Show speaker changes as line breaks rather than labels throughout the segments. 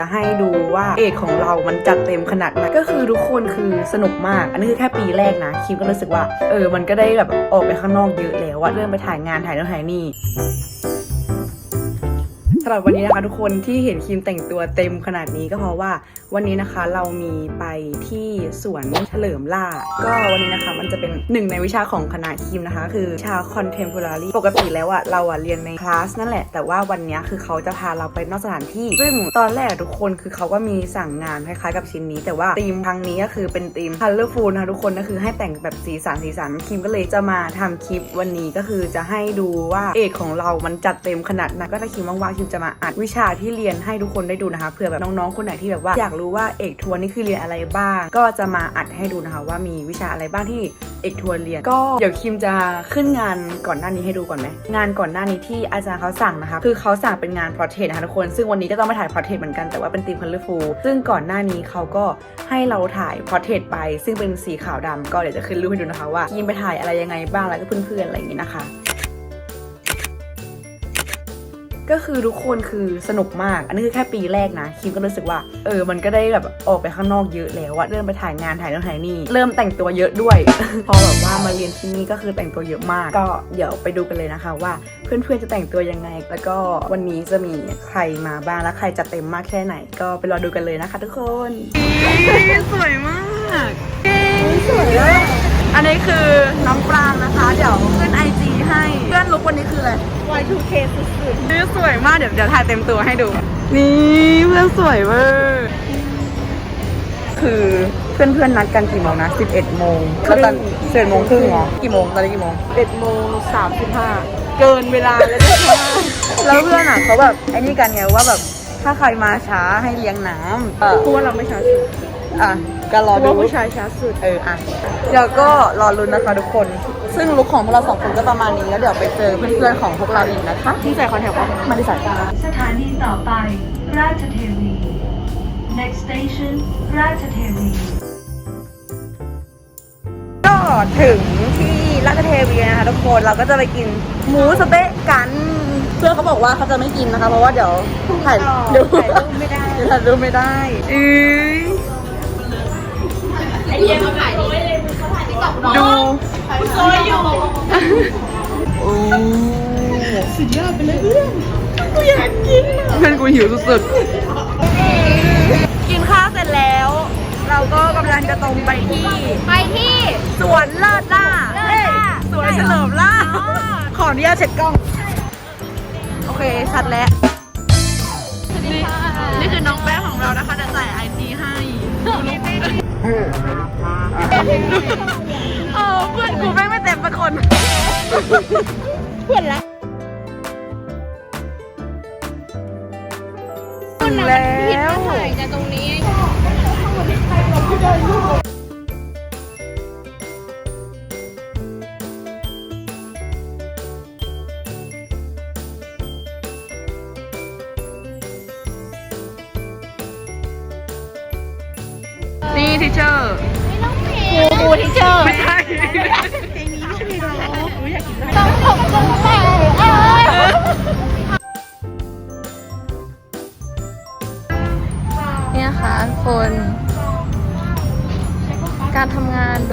จะให้ดูว่าเอกของเรามันจัดเต็มขนาดไหนก็คือทุกคนคือสนุกมากอันนี้คือแค่ปีแรกนะคิมก็รู้สึกว่ามันก็ได้แบบออกไปข้างนอกเยอะแล้วว่าเริ่มไปถ่ายงานถ่ายนู่นถ่ายนี่สำหรับวันนี้นะคะทุกคนที่เห็นคิมแต่งตัวเต็มขนาดนี้ก็เพราะว่าวันนี้นะคะเรามีไปที่สวนเฉลิมล่าก็วันนี้นะคะมันจะเป็นหนึ่งในวิชาของคณะคิมนะคะคือวิชา contemporary ปกติแล้วเราเรียนในคลาสนั่นแหละแต่ว่าวันนี้คือเขาจะพาเราไปนอกสถานที่ซึ่งตอนแรกทุกคนคือเขาก็มีสั่งงานคล้ายๆกับชิ้นนี้แต่ว่าธีมครั้งนี้ก็คือเป็นธีม colorful นะคะทุกคนก็คือให้แต่งแบบสีสันคิมก็เลยจะมาทำคลิปวันนี้ก็คือจะให้ดูว่าเอกของเรามันจัดเต็มขนาดไหนก็ถ้าคิมว่างๆคิมจะมาอัดวิชาที่เรียนให้ทุกคนได้ดูนะคะเผื่อแบบน้องๆคนไหนที่แบบว่าอยากรู้ว่าเอกทัวร์นี่คือเรียนอะไรบ้างก็จะมาอัดให้ดูนะคะว่ามีวิชาอะไรบ้างที่เอกทัวร์เรียนก็เดี๋ยวคิมจะขึ้นงานก่อนหน้านี้ให้ดูก่อนไหมงานก่อนหน้านี้ที่อาจารย์เขาสั่งนะคะคือเขาสั่งเป็นงาน portrait นะคะทุกคนซึ่งวันนี้ก็ต้องไปถ่าย portrait เหมือนกันแต่ว่าเป็นธีม colorful ซึ่งก่อนหน้านี้เขาก็ให้เราถ่าย portrait ไปซึ่งเป็นสีขาวดำก็เดี๋ยวจะขึ้นรูปให้ดูนะคะว่าคิมไปถ่ายอะไรยังไงบ้างแล้วก็เพื่อนๆอะไรอย่างนี้นะคะก็คือทุกคนคือสนุกมากอันนี้คือแค่ปีแรกนะคิมก็รู้สึกว่ามันก็ได้แบบออกไปข้างนอกเยอะแล้วเริ่มไปถ่ายงานถ่ายนู่นถ่ายนี่เริ่มแต่งตัวเยอะด้วย พอแบบว่ามาเรียนที่นี่ก็คือแต่งตัวเยอะมากก็เดี๋ยวไปดูกันเลยนะคะว่าเพื่อนๆจะแต่งตัวยังไงแล้วก็วันนี้จะมีใครมาบ้างและใครจะเต็มมากแค่ไหนก็ไปรอดูกันเลยนะคะทุกคนสวยมากสวยเลยอันนี้คือน้องปรางนะคะเดี๋ยวขึ้น IG ให้เพื่อนลุกวันนี้คืออะไร Y2K สุดๆนี่สวยมากเดี๋ยวถ่ายเต็มตัวให้ดูนี่เพื่อนสวยเวอร์คือเพื่อนนัดกันกี่โมงนะ11 โมงแล้วตอน11 โมงครึ่งเหรอกี่โมงตอนนี้กี่โมง11 โมง 35เกินเวลาแล้วด้วยแล้วเพื่อนเขาแบบไอ้นี่กันไงว่าแบบถ้าใครมาช้าให้เลี้ยงน้ำเพราะว่าเราไม่ช้าสุดก็รอดูผู้ชายช้าสุดเดี๋ยวก็รอลุ้นนะคะทุกคนซึ่งลุคของพวกเรา2 คนก็ประมาณนี้แล้วเดี๋ยวไปเจอเพื่อนๆของพวกเราอีกนะคะที่ใส่คอนแทคปะมาที่ใส่
สถานีต่อไปราชเทวี next station ราชเทวี
ก็ถึงที่ราชเทวีนะคะทุกคนเราก็จะไปกินหมูสะเต๊ะกันเพื่อนเขาบอกว่าเขาจะไม่กินนะคะเพราะว่าเดี๋ยวถ่ายรูปไม่ได้ถ่ายรูปไม่ได้
ไอเดียมาถ่ายนี่เขาถ่ายที่กับน้อง
ดู
โซยอยู่
โอ้สุดยอดไปเลยเพื่อนกูอยากกินเพื่อนกูหิวสุดๆกินข้าวเสร็จแล้วเราก็กำลังจะตรงไปที่สวนเลิศล่าสวนเฉลิมล่าขออนุญาตเช็ดกล้องโอเคชัดแล้วนี่คือน้องแป้งของเรานะคะจะใส่IG ให้เพื่อนกูแม่งไม่เต็มเป็นคนเพื่อนละแล้ว
ถ่ายกันตรงนี้
นี่ทิเชอร์
ครูทิเชอร์
ไม่ใช่
ต้องขอบคุณแม่
เนี่ยค่ะคนการทำงาน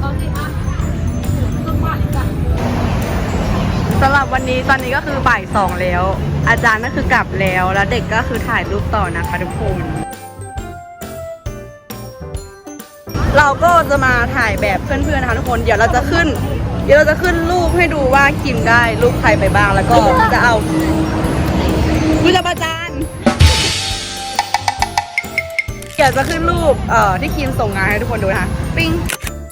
สำหรับวันนี้ตอนนี้ก็คือบ่าย 2แล้วอาจารย์ก็คือกลับแล้วเด็กก็คือถ่ายรูปต่อนะคะทุกคนเราก็จะมาถ่ายแบบเพื่อนๆนะคะทุกคนเดี๋ยวเราจะขึ้นรูปให้ดูว่าคิมได้รูปใครไปบ้างแล้วก็จะเอาวิจารอาจารย์เดี๋ยวจะขึ้นรูปที่คิมส่งงานให้ทุกคนดูนะคะปิ้ง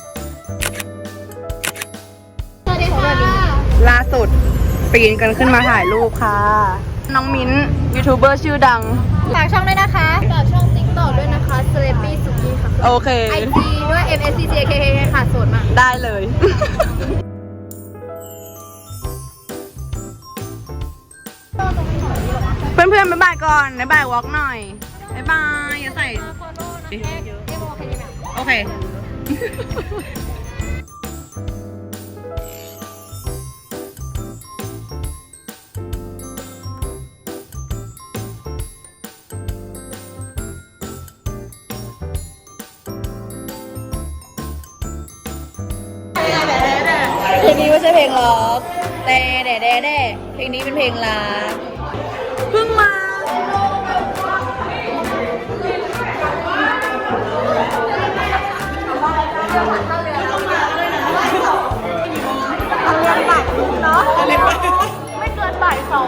สวัสดีค่ะ
ล่าสุดปีนกันขึ้นมาถ่ายรูปค่ะน้องมิ้นยูทูบเบอร์ชื่อดัง
ฝากช่องด้วยนะคะฝากช่อง TikTok ด้วยนะคะ Celebrity Suki ค่ะ
โอเค
IG ด้วย MSCCKK ค่ะโสดมาก
ได้เลย เพื่อนๆบ๊ายบายก่อนบ๊ายบายวอล์กหน่อยบ๊ายบายอย่าใส่โอเคนี้ไม่ใช่เพลงล็อกแต่แด่เพลงนี้เป็นเพลงรักเพิ่งมาเนาะไม่เกินบ่าย2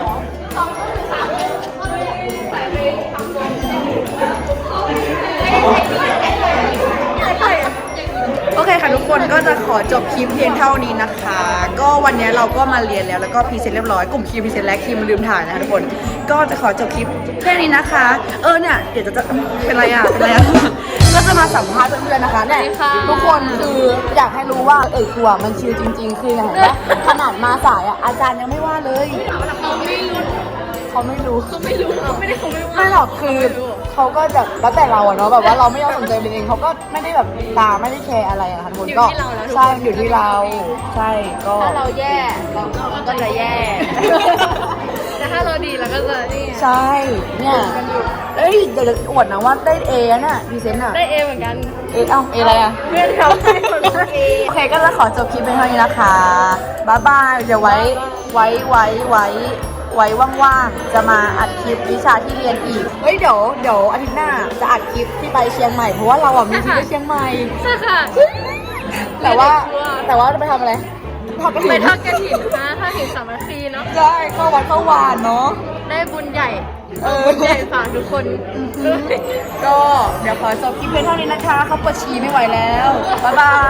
โอเคค่ะทุกคนก็จะขอจบคลิปเพียงเท่านี้นะคะ ก็วันนี้เราก็มาเรียนแล้วก็พรีเซนต์เรียบร้อยกลุ่มคิวพรีเซนต์และคิวมันลืมถ่ายนะคะทุกคนก็จะขอจบคลิปแค่นี้นะคะเนี่ยเดี๋ยวจะเป็นไรอ่ะก็จะมาสัมภาษณ์เพื่อนๆนะคะเนี่ยทุกคนคืออยากให้รู้ว่าครูมันชิลจริงๆคือเห็นไหมขนาดมาสายอ่ะอาจารย์ยังไม่ว่าเลยเขาไม่รู้ไม่หรอกคือเขาก็แบบแล้วแต่เราอะเนาะแบบว่าเราไม่ยอมสนใจเองเขาก็ไม่ได้แบบตามไม่ได้แคร์อะไรอะค่ะทุกคนก็ใช่อยู่ที่เราใช่ก็
ถ้าเราแย่เราก็จะแย่ แต่ถ้าเราดีเราก็จะนี่
ใช่เนี่ยเดี๋ยวจะอวดนะว่าได้เอน่ะพรีเซนต์อะ
ได้เอเหมือนกัน
เออะไรอะ
เพื่อนเขาให้คนละเอ
โอเคก็จะขอจบคลิปเป็นเท่านี้นะคะบ๊ายบายเดี๋ยวไว้ว่างๆจะมาอัดคลิปวิชาที่เรียนอีกเดี๋ยวอาทิตย์หน้าจะอัดคลิปที่ไปเชียงใหม่เพราะว่าเราอ่ะมีที่ไปเชียงใหม่
ใช่ค่ะ
แต่ว่าจะไปทำอะไรทอดกระถิ่น
ไปทอดกระถิ่นนะทอดกระถิ่นสามัคคีเนาะ
ใช่เข้าวัดเข้าวานเนาะ
ได้บุญใหญ่บุญใหญ่ฝากทุกคน
ก็เดี๋ยวขอจบคลิปเพียงเท่านี้นะคะเขาปวดฉี่ไม่ไหวแล้วบ๊ายบาย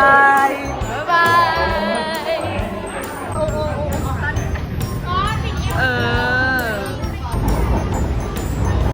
บ๊ายบาย
เออ